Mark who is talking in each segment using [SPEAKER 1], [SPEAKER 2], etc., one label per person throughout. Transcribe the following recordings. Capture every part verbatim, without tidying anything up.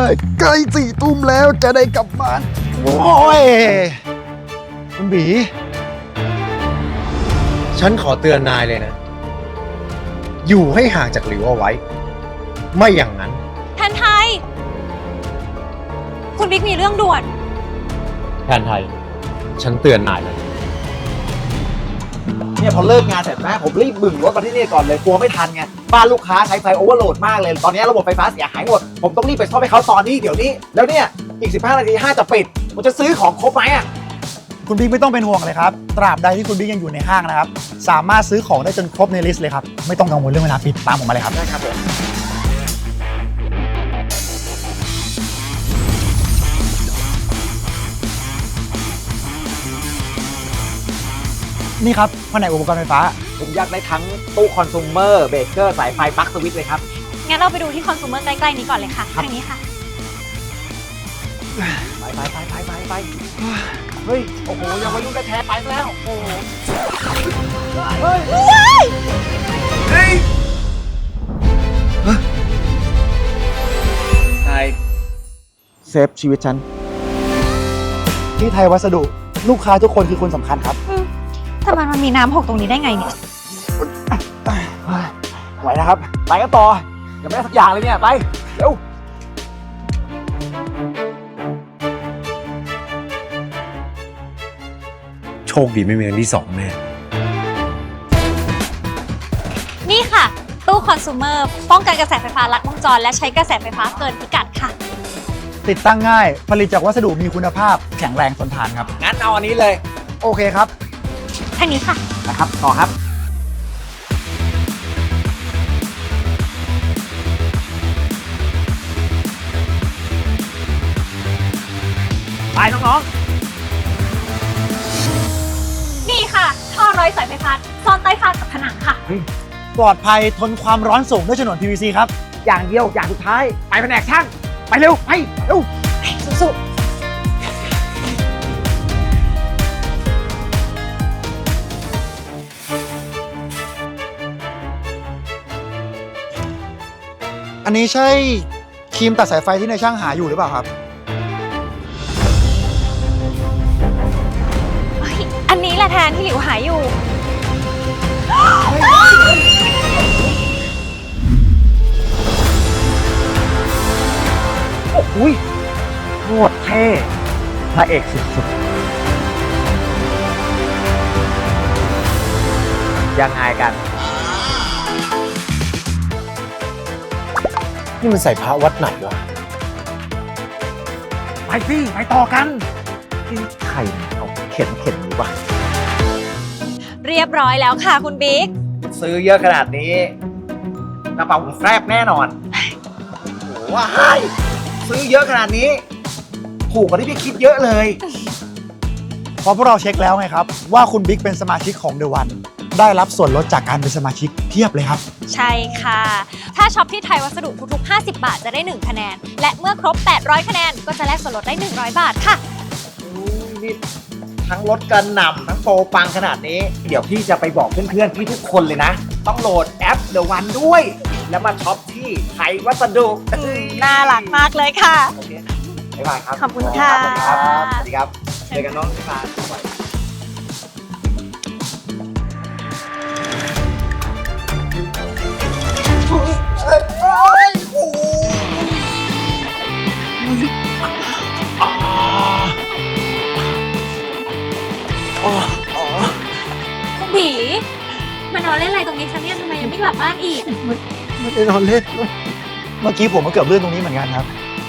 [SPEAKER 1] เลยใกล้สี่ทุ่มแล้วจะได้กลับบ้านโอ้ยคุณบีฉันขอเตือนนายเลยนะ อยู่ให้ห่างจากหลิวเอาไว้ ไม่อย่างนั้น
[SPEAKER 2] แทนไทยคุณบิ๊กมีเรื่องด่วน
[SPEAKER 1] แทนไทยฉันเตือนนายเลย
[SPEAKER 3] เนี่ยพอเลิกงานเสร็จนะผมรีบบึ่งรถมาที่นี่ก่อนเลยกลัวไม่ทันไงบ้านลูกค้าใช้ไฟโอเวอร์โหลดมากเลยตอนนี้ระบบไฟฟ้าเสียหายหมดผมต้องรีบไปซ่อมให้เขาตอนนี้เดี๋ยวนี้แล้วเนี่ยอีกสิบห้านาทีห้างจะปิดผมจะซื้อของครบไหมอ่ะ
[SPEAKER 4] คุณบิ๊กไม่ต้องเป็นห่วงเลยครับตราบใดที่คุณบิ๊กยังอยู่ในห้างนะครับสามารถซื้อของได้จนครบในลิสต์เลยครับไม่ต้องกังวลเรื่องเวลาปิดตามผมมาเลยครับ
[SPEAKER 3] ได้ครับผม
[SPEAKER 4] นี่ครับแผนกอุปกรณ์ไฟฟ้า
[SPEAKER 3] ผมอยากได้ทั้งตู้คอน sumer เบรกเกอร์สายไฟปลั๊กสวิตช์เลยครับ
[SPEAKER 2] งั้นเราไปดูที่คอน sumer ใกล้ๆนี้ก่อนเลยค่ะทางนี้ค่ะ
[SPEAKER 3] ไปไปไปไปไปไปเฮ้ยโอ้โหยังวัยรุ่นแท้ๆไปแล้วโอ้โหเฮ้ยเฮ้ยนายเซฟชีวิตฉัน
[SPEAKER 4] ที่ไทยวัสดุลูกค้าทุกคนคือคนสำคัญครับ
[SPEAKER 2] ทำไมมันมีน้ำหกตรงนี้ได้ไงเนี่ย
[SPEAKER 3] ไหวนะครับไปกันต่อยังไม่ได้สักอย่างเลยเนี่ยไปเร็ว
[SPEAKER 1] โชคดีไม่มีอันที่สองแม่
[SPEAKER 2] นี่ค่ะตู้คอน sumer ป้องกันกระแสไฟฟ้าลัดวงจรและใช้กระแสไฟฟ้าเกินพิกัดค่ะ
[SPEAKER 4] ติดตั้งง่ายผลิตจากวัสดุมีคุณภาพแข็งแรงทนทานครับ
[SPEAKER 3] งั้นเอาอันนี้เลย
[SPEAKER 4] โอเคครับ
[SPEAKER 2] ทางนี้ค่ะ
[SPEAKER 3] นะครับต่อครับไปน้อง
[SPEAKER 2] ๆนี่ค่ะท่อร้อยสายไฟฟ้าซ่อนใต้ฝ้ากับผนังค่ะ
[SPEAKER 4] ปลอดภัยทนความร้อนสูงด้วยฉนวน พี วี ซี ครับ
[SPEAKER 3] อย่างเดียวอย่างสุดท้ายไปแผนกช่างไปเร็วไปเร็ว
[SPEAKER 2] สู้
[SPEAKER 4] อันนี้ใช่ครีมตัดสายไฟที่ในช่างหาอยู่หรือเปล่าครับ
[SPEAKER 2] อันนี้แหละแทนที่หลิวหายอยู่
[SPEAKER 3] โอ้โหโคตรเท่พระเอกสุดๆยังไงกัน
[SPEAKER 1] นี่มันใส่พระวัดไหนวะ
[SPEAKER 3] ไปสิไปต่อกันใครเอาเข็นเข็นนี้วะ
[SPEAKER 2] เรียบร้อยแล้วค่ะคุณบิ๊ก
[SPEAKER 3] ซื้อเยอะขนาดนี้กระเป๋าผมแฟบแน่นอนโอ้ว้ายซื้อเยอะขนาดนี้ถูกกว่าที่พี่คิดเยอะเลย
[SPEAKER 4] เพราะพวกเราเช็คแล้วไงครับว่าคุณบิ๊กเป็นสมาชิกของ The One ได้รับส่วนลดจากการเป็นสมาชิกเพียบเลยครับ
[SPEAKER 2] ใช่ค่ะถ้าช็อปที่ไทยวัสดุทุกๆห้าสิบบาทจะได้หนึ่งคะแนนและเมื่อครบแปดร้อยคะแนนก็จะแลกส่วนลดได้หนึ่งร้อยบาทค่ะ
[SPEAKER 3] นี่ทั้งลดกันหน่ำทั้งโปรปังขนาดนี้เดี๋ยวพี่จะไปบอกเพื่อนๆพี่ทุกคนเลยนะต้องโหลดแอป The One ด้วยแล้วมาช็อปที่ไทยวัสดุ
[SPEAKER 2] น่ารักมากเลยค่ะ
[SPEAKER 3] โอเคบ๊ายบายครับ
[SPEAKER 2] ขอบคุณค่ะ
[SPEAKER 3] สวัสดีครับสวัสดีครับเจอกันน้องที่มาบ่อย
[SPEAKER 2] คุณบีมานอนเล่นอะไรตรงนี้คะเนี่ยทำไมยังไม่กลับบ้านอีก
[SPEAKER 4] ไม่ได้นอนเล่นเมื่อกี้ผมก็เกือบลื่นตรงนี้เหมือนกันครับ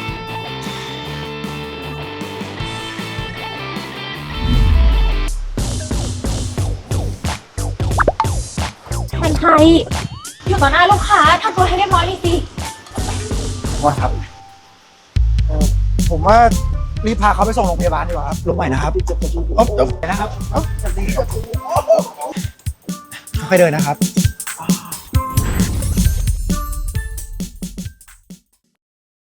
[SPEAKER 2] แทนไทยอยู่ต่อหน้าลูกค้าทำตัวให้เรียบร้อยเลยสิ
[SPEAKER 3] ว่าครับ
[SPEAKER 4] ผมว่ารีบพาเขาไปส่งโรงพยาบาลดีกว่าครับลงใหม่นะครับเดี๋ยวนะครับค่อยเดินนะครับ